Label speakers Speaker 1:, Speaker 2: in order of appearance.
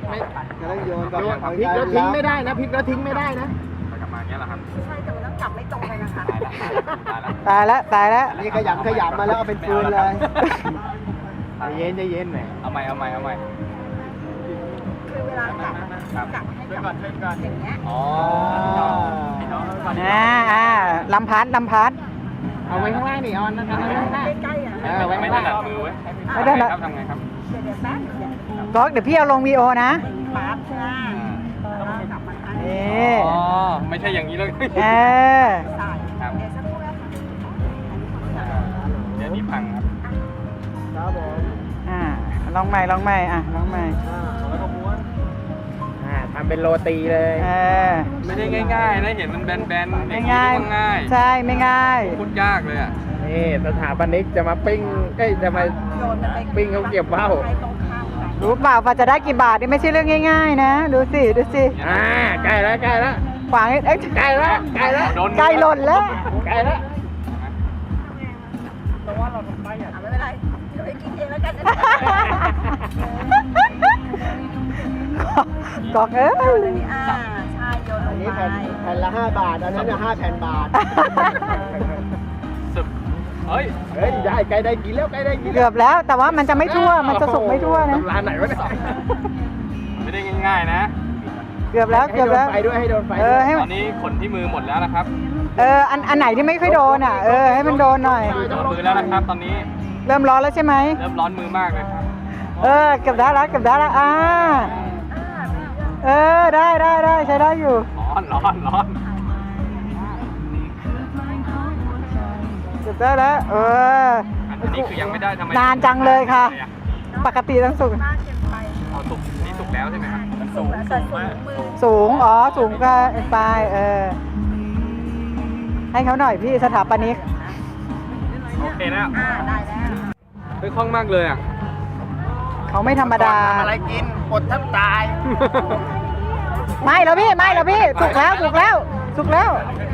Speaker 1: กำลังโยนกับ
Speaker 2: พลิกแล้วทิ้งไม่ได้นะพลิกแล้วทิ้งไม่ได้นะ
Speaker 3: กลับมาอย่างเงี้ยเหรอครับ
Speaker 4: ใช่แต่มันต้องจับไม่ตรงเลยนะคะ
Speaker 5: ตายแล้วตายแล้ว
Speaker 1: นี่ขยำมาแล้วเอาเป็นฟืนเลย
Speaker 2: ใจเย็นหน่อย
Speaker 3: เอาใหม่
Speaker 4: คือเวลาจับจับให้จับอย่างเงี้ย
Speaker 3: อ๋อ
Speaker 5: ลำพัด
Speaker 2: เอาไว้ข้างล่างดิออนนั่นข้างล่าง
Speaker 4: ใกล้ๆอ่ะ
Speaker 3: ไม่ถนัดมือเว้ย
Speaker 5: ไม่ได้ละ
Speaker 3: ทำไงครับ
Speaker 4: เดี๋ยวแป๊บเดี๋ยว
Speaker 5: ก๊อกเดี๋ยวพี่เอาลงวีโอนะ
Speaker 4: ปั๊บใช่ไหมแล้วจับมันอัน
Speaker 5: เอ
Speaker 4: นี้
Speaker 5: ๊
Speaker 3: อ๋อ ไม่ใช่อย่างนี้เลย
Speaker 5: เออ
Speaker 4: ใส่เดี๋ยวสักครู่นะคะ
Speaker 3: เดี๋ยวนี้พังครับ
Speaker 1: ครับผม
Speaker 5: ลองใหม่ลองใหม่
Speaker 1: แล้วก็ม้วน
Speaker 2: ทำเป็นโรตีเลย
Speaker 3: ไม่ได้ง่ายๆนะเห็นมันแบนๆ
Speaker 5: ไม่ง่าย
Speaker 3: ง่าย
Speaker 5: ใช่ไม่ง่าย
Speaker 3: พูดยากเลยอ่ะ
Speaker 2: นี่สถาปนิกจะมาปิ้งจะมา
Speaker 4: โยนมันไป
Speaker 2: ปิ้งเขาเก็บว่าว
Speaker 4: ไปตรงข้ามกัน
Speaker 5: รู้เปล่าว่าจะได้กี่บาทนี่ไม่ใช่เรื่องง่ายๆนะดูสิ
Speaker 2: ใกล้แล้ว
Speaker 5: ขวางเอ้ย
Speaker 2: ใกล้แล้ว
Speaker 3: โดน
Speaker 5: ใกล้หล่นแล้ว
Speaker 2: ใกล้แล้ว
Speaker 4: ไม่เป็นไรเดี๋ยวไปกินเองแล้วกันนะ
Speaker 5: ก๊อกเอ้ย
Speaker 4: ใช่โยนลง
Speaker 1: อันนี้
Speaker 4: ไป
Speaker 1: แผ่นละ5 บาท อันนั้นน่ะ5 แผ่นบาท
Speaker 3: สึบเฮ้ย
Speaker 2: ได้ใกล้ได้กินแล้ว
Speaker 5: เกือบแล้วแต่ว่ามันจะไม่ทั่วมันจะสุกไม่ทั่วนะ
Speaker 2: ร้านไหนวะเนี่ย
Speaker 3: ไม่ได้ง่ายๆนะ
Speaker 5: เกือบแล้ว
Speaker 2: ให้โดนไฟด้วยให้โดนไฟ
Speaker 5: ให้
Speaker 3: ตอนนี้ขนที่มือหมดแล้วนะครับ
Speaker 5: อันไหนที่ไม่ค่อยโดนให้มันโดนหน่อย
Speaker 3: โดนมือแล้วนะครับ ตอนนี้
Speaker 5: เริ่มร้อนแล้วใช่ไหม
Speaker 3: เริ่มร้อนมือมากเลยครับ
Speaker 5: เกือบได้แล้วได้ใช้ได้อยู่
Speaker 3: ร้อน
Speaker 5: เกือบได้แล้ว
Speaker 3: อันนี้คือยังไม่ได้ทำไม
Speaker 5: นานจังเลยค่ะ ปกติต้องสุก
Speaker 4: มากเกินไป
Speaker 3: เอาสุกนี่สุกแล้วใช่ไหมครับมันสุก
Speaker 4: แต่สูงมือ
Speaker 5: สูงสูงก็ไปให้เขาหน่อยพี่สถาปนิก
Speaker 3: โอเคแล้ว
Speaker 4: ได้แล้ว
Speaker 3: เฮ้ยคล่องมากเลยอ่ะ
Speaker 5: เขาไม่ธรรมดา
Speaker 2: ทำอะไรกินอดแทบตาย
Speaker 5: ไม่แล้วพี่สุกแล้ว